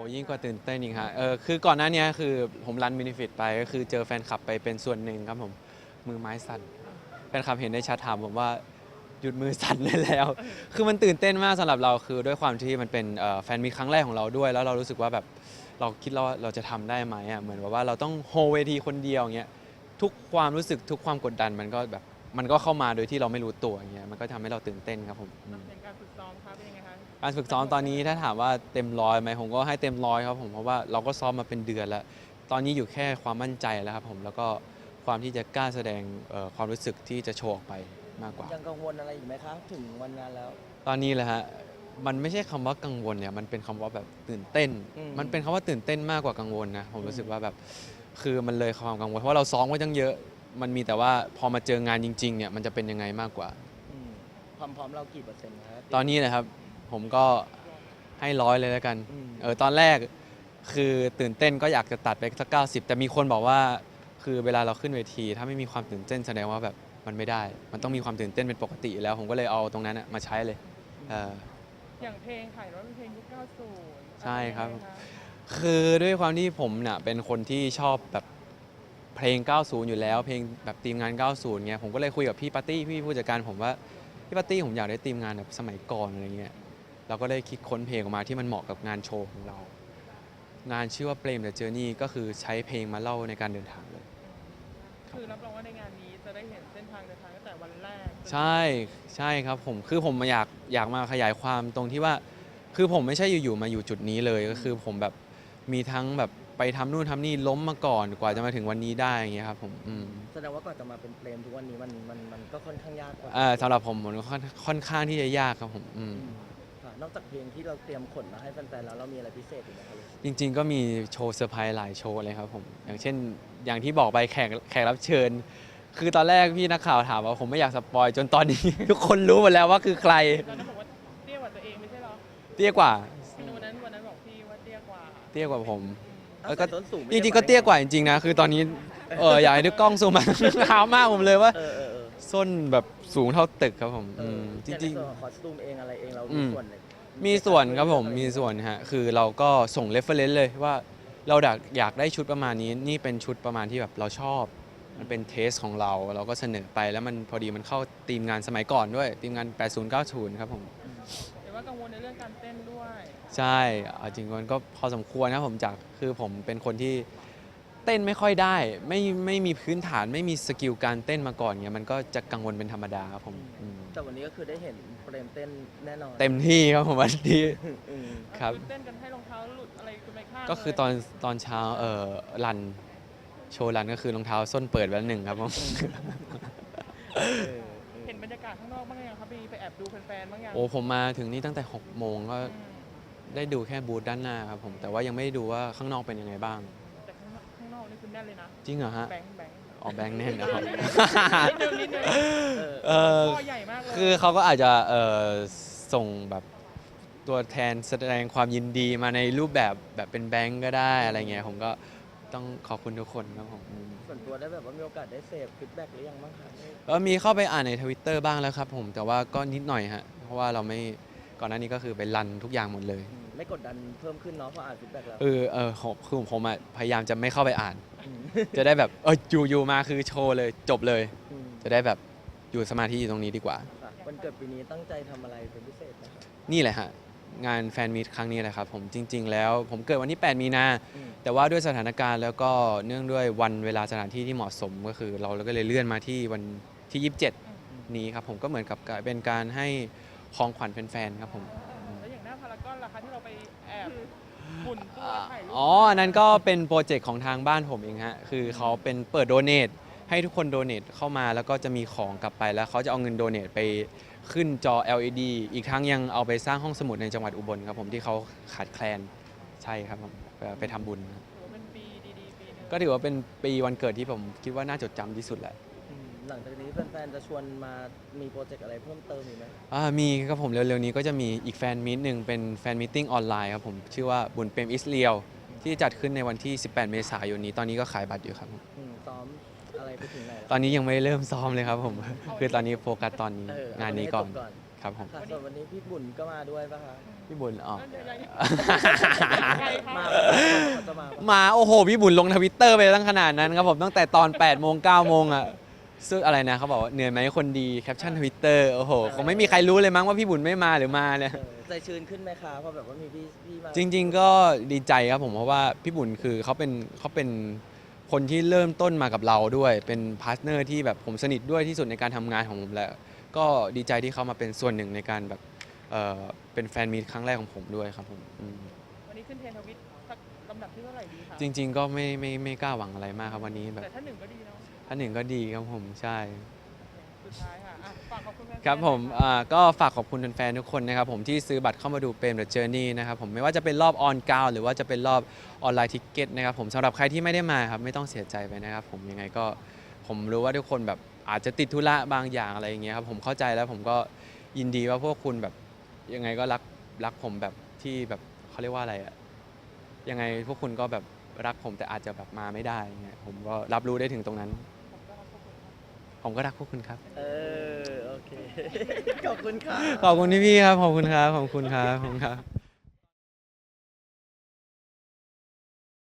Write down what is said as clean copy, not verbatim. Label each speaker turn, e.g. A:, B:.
A: ยิ่งกว่าตื่นเต้นอีกฮะคือก่อนหน้านี้คือผมรันมินิฟิตไปก็คือเจอแฟนคลับไปเป็นส่วนหนึ่งครับผมมือไม้สั่นแฟนคลับเห็นในแชทถามผมว่าหยุดมือสั่นได้แล้วคือมันตื่นเต้นมากสำหรับเราคือด้วยความที่มันเป็นแฟนมีตครั้งแรกของเราด้วยแล้วเรารู้สึกว่าแบบเราคิดว่าเราจะทำได้ไหมอ่ะเหมือนว่าเราต้องโฮเวทีคนเดียวอย่างเงี้ยทุกความรู้สึกทุกความกดดันมันก็แบบมันก็เข้ามาโดยที่เราไม่รู้ตัวอย่างเงี้ยมันก็ทำให้เราตื่นเต้นครับผม
B: อย่างการฝึกซ้อมครับเป็นยังไงคะ
A: การฝึกซ้อมตอนนี้ถ้าถามว่าเต็มร้อยไหมผมก็ให้เต็มร้อยครับผมเพราะว่าเราก็ซ้อมมาเป็นเดือนแล้วตอนนี้อยู่แค่ความมั่นใจแล้วครับผมแล้วก็ความที่จะกล้าแสดงความรู้สึกที่จะโชว์ออกไปมากกว่า
C: ยังกังวลอะไรอีกไหมครับถึงวันงานแล้ว
A: ตอนนี้แหละฮะมันไม่ใช่คำว่ากังวลเนี่ยมันเป็นคำว่าแบบตื่นเต้นมันเป็นคำว่าตื่นเต้นมากกว่ากังวลนะผมรู้สึกว่าแบบคือมันเลยความกังวลเพราะว่าเราซ้อมไว้ตั้งเยอะมันมีแต่ว่าพอมาเจองานจริงๆเนี่ยมันจะเป็นยังไงมากกว่า
C: อืมความพร้อมเรากี่เปอร์เซ็นต์ครับ
A: ตอนนี้นะครับผมก็ให้ร้อยเลยแล้วกัน
C: อืม
A: ตอนแรกคือตื่นเต้นก็อยากจะตัดไปสัก90แต่มีคนบอกว่าคือเวลาเราขึ้นเวทีถ้าไม่มีความตื่นเต้นแสดงว่าแบบมันไม่ได้มันต้องมีความตื่นเต้นเป็นปกติอยู่แล้วผมก็เลยเอาตรงนั้นมาใช้เลยเออ
B: อย่างเพลงขายรถเป็นเพลงยุค 90
A: ใช่ครับ
B: เป็นยังไงะ
A: คือด้วยความที่ผมเนี่ยเป็นคนที่ชอบแบบเพลง 90 อยู่แล้วเพลงแบบทีมงาน 90เงี้ยผมก็เลยคุยกับพี่ปาร์ตี้พี่ผู้จัดการผมว่าพี่ปาร์ตี้ผมอยากได้ทีมงานแบบสมัยก่อนอะไรเงี้ยเราก็ได้คิดค้นเพลงออกมาที่มันเหมาะกับงานโชว์ของเรา งานชื่อว่าเ Blame the Journey ก็คือใช้เพลงมาเล่าในการเดินทางเลย
B: คือรับรองว่าในงานนี้จะได้เห็นเส้นทางเดินทางตั้งแต่วันแรก
A: ใช่ใช่ครับผมคือผมอยากมาขยายความตรงที่ว่าคือผมไม่ใช่อยู่ๆมาอยู่จุดนี้เลยก็คือผมแบบมีทั้งแบบไปทำนู่นทำนี่ล้มมาก่อนกว่าจะมาถึงวันนี้ได้อย่างเงี้ยครับผม
C: แสดงว่าก่อนจะมาเป็นเฟรมทุกวันนี้มันก็ค่อนข้างยากกว่า
A: สำหรับผมมันค่อนข้างที่จะยากครับผม
C: ค่ะนอกจากเพลงที่เราเตรียมขนมาให้แฟนๆแล้วเรามีอะไรพิเศษอีกไหมครับ
A: จริงๆก็มีโชว์เซอร์ไพรส์หลายโชว์เลยครับผมอย่างเช่นอย่างที่บอกไปแขกรับเชิญ คือตอนแรกพี่นักข่าวถามว่าผมไม่อยากสปอยจนตอนนี้ ทุกคนรู้หมดแล้วว่าคือใคร
B: ตอนนั้นบอกว่าเตี้ยกว่าตัวเองไม่ใช่เหรอ
A: เตี้ยกว่า
B: วันนั้นบอกพี่ว่าเตี้ยกว่า
A: เตี้ยกว่าผม
C: เอา
A: ก็
C: แต่ส้นสูงไม่
A: จ
C: ได้
A: ริงๆก็เตี้ยกว่าจริงๆนะคือตอนนี้อยากให้ดูกล้องซูมมา เท้ามากผมเลยว่าส้นแบบสูงเท่าตึกครับผมจริง
C: ๆคอสตูมเองอะไรเองเรา
A: อืม
C: มีส่วนเลย
A: มีส่วนครับผมมีส่วนฮะคือเราก็ส่ง reference เลยว่าเราอยากได้ชุดประมาณนี้นี่เป็นชุดประมาณที่แบบเราชอบมันเป็นเทสของเราก็เสนอไปแล้วมันพอดีมันเข้าทีมงานสมัยก่อนด้วยทีมงาน 80-90 ครับผม
B: แต่ว่ากังวลในเรื่องการเต้นด้วย
A: ใช่เอาจริงๆมันก็พอสมควรนะผมคือผมเป็นคนที่เต้นไม่ค่อยได้ไม่มีพื้นฐานไม่มีสกิลการเต้นมาก่อนเงี้ยมันก็จะกังวลเป็นธรรมดาครับผม
C: แต่วันนี้ก็คือได้เห็นเฟรมเต้นแน่นอน
A: เต็มที่ครับผมวันนี้ครับ
B: เต้นกันให้รองเท้าหลุดอะไรคุณไปข้าง
A: ก็คือตอนเช้ารันโชว์รันก็คือรองเท้าส้นเปิดไว้แล้วหนึ่งครับผม
B: เห็นบรรยากาศข้างนอกบ้างยังครับไปแอบดูแฟนๆบ้างยัง
A: โอ้ผมมาถึงนี่ตั้งแต่6 โมงก็ได้ดูแค่บูธด้านหน้าครับผมแต่ว่ายังไม่ได้ดูว่าข้างนอกเป็นยังไงบ้าง
B: แต่ข้างนอกนี่คือแน่นเลยนะ
A: จริงเหรอฮะ
B: แบงค์
A: อ๋อแบงค์แน่นนะครับ
B: นิดนึงข้อใหญ่มากเลย
A: คือเขาก็อาจจะส่งแบบตัวแทนแสดงความยินดีมาในรูปแบบเป็นแบงค์ก็ได้อะไรเงี้ยผมก็ต้องขอบคุณทุกคนครับผม
C: ส่วนตัวได้แบบว่ามีโอกาสได้เสพฟีดแบ็กหรือยังบ้างคะ
A: มีเข้าไปอ่านใน Twitter บ้างแล้วครับผมแต่ว่าก็นิดหน่อยฮะเพราะว่าเราไม่ก่อนหน้านี้ก็คือไปรันทุกอย่างหมดเลย
C: ไม่กดดันเพิ่มขึ้นเนาะพออ่านฟีดแบ็กแล้ว
A: คือผมพยายามจะไม่เข้าไปอ่าน จะได้แบบอยู่มาคือโชว์เลยจบเลย จะได้แบบอยู่สมาธิอยู่ตรงนี้ดีกว่า
C: วันเกิดปีนี้ตั้งใจทำอะไรเป็นพิเศษไหมครับ
A: นี่แหละฮะงานแฟนมีตครั้งนี้แหละครับผมจริง ๆ แล้วผมเกิดวันที่ 8 มีนาแต่ว่าด้วยสถานการณ์แล้วก็เนื่องด้วยวันเวลาสถานที่ที่เหมาะสมก็คือเราก็เลยเลื่อนมาที่วันที่ 27 นี้ครับผมก็เหมือนกับเป็นการให้ของขวัญแฟนๆครับผม
B: แล้วอย่างหน้าพารากอนล่ะคะที่เราไปแอบหมุนตัวถ่ายรูป
A: อันนั้นก็เป็นโปรเจกต์ของทางบ้านผมเองฮะคือเขาเป็นเปิดโดเนทให้ทุกคนโดเนทเข้ามาแล้วก็จะมีของกลับไปแล้วเขาจะเอาเงินโดเนทไปขึ้นจอ LED อีกทั้งยังเอาไปสร้างห้องสมุดในจังหวัดอุบลครับผมที่เขาขาดแคลนใช่ครับผมไปทำบุญ
B: ถือว่าเป็นปีดีๆปีนึง
A: ก็ถือว่าเป็นปีวันเกิดที่ผมคิดว่าน่าจดจำที่สุดแหละ
C: หลังจากนี้แฟนๆจะชวนมามีโปรเจกต์อะไรเพิ่มเติมอีกไหม
A: มีครับผมเร็วๆนี้ก็จะมีอีกแฟนมีตหนึ่งเป็นแฟนมีตติ้งออนไลน์ครับผมชื่อว่าบุญเปรมอิสเรียวที่จัดขึ้นในวันที่ 18 เมษายนนี้ตอนนี้ก็ขายบัตรอยู่ครับ
C: ซ้อมอะไรไปถึงไหน
A: ตอนนี้ยังไม่เริ่มซ้อมเลยครับผมคือตอนนี้โฟกัสตอนนี้งานนี้ก่อนครับผม
C: ค่ะส่วนวันนี้พี่บุญก็มาด้วยป่ะคะ
A: พี่บุญอ๋อ
B: นั่นยังไงคะ
C: มาเขาจะมาปะ
A: มาโอ้โหพี่บุญลงทวิตเตอร์ไปตั้งขนาดนั้นครับผมตั้งแต่ตอน8 โมง 9 โมงอ่ะซึ่งอะไรนะเขาบอกว่าเหนื่อยไหมคนดีแคปชั่นทวิตเตอร์โอ้โหคงไม่มีใครรู้เลยมั้งว่าพี่บุญไม่มาหรือมาเนี่ย
C: ใจชื้นขึ้นไหมคะเพราะแบบว่ามีพี่มา
A: จริง ๆ ก็ดีใจครับผมเพราะว่าพี่บุญคือเขาเป็นคนที่เริ่มต้นมากับเราด้วย เป็นพาร์ทเนอร์ที่แบบผมสนิทด้วยที่สุดในการทำงานของผมแล้วก็ดีใจที่เขามาเป็นส่วนหนึ่งในการแบบเป็นแฟนมีตครั้งแรกของผมด้วยครับผมอืม
B: วันนี้ขึ้นเทรนด์ทวิตสักลำดับที่เท่าไหร่ดีคะ
A: จริง ๆ ก็ไม่กล้าหวังอะไรมากครับวันนี้แบบ
B: แต่ถ้าหนึ่งก็ดีเนาะ
A: ถ้าหนึ่งก็ดีครับผมใช่
B: สุดท้ายค่ะอ่ะฝากขอบคุณแฟนๆ
A: ครับผม
B: หน่อยค่ะ
A: ก็ฝากขอบคุณแฟนๆทุกคนนะครับผมที่ซื้อบัตรเข้ามาดูเปรม The Journey นะครับผมไม่ว่าจะเป็นรอบออนกราวหรือว่าจะเป็นรอบออนไลน์ทิกเก็ตนะครับผมสำหรับใครที่ไม่ได้มาครับไม่ต้องเสียใจไปนะครับผมยังไงก็ผมรู้ว่าทุกคนแบบอาจจะติดธุระบางอย่างอะไรอย่างเงี้ยครับผมเข้าใจแล้วผมก็ยินดีว่าพวกคุณแบบยังไงก็รักผมแบบที่แบบเขาเรียกว่าอะไรอะยังไงพวกคุณก็แบบรักผมแต่อาจจะแบบมาไม่ได้อย่างเงี้ยผมก็รับรู้ได้ถึงตรงนั้น ผมก็รักพวกคุณครับ
C: โอเค ขอบคุณค่ะ
A: ขอบคุณพี่ๆครับ ขอบคุณครับ ขอบคุณครับ ขอบคุณครับ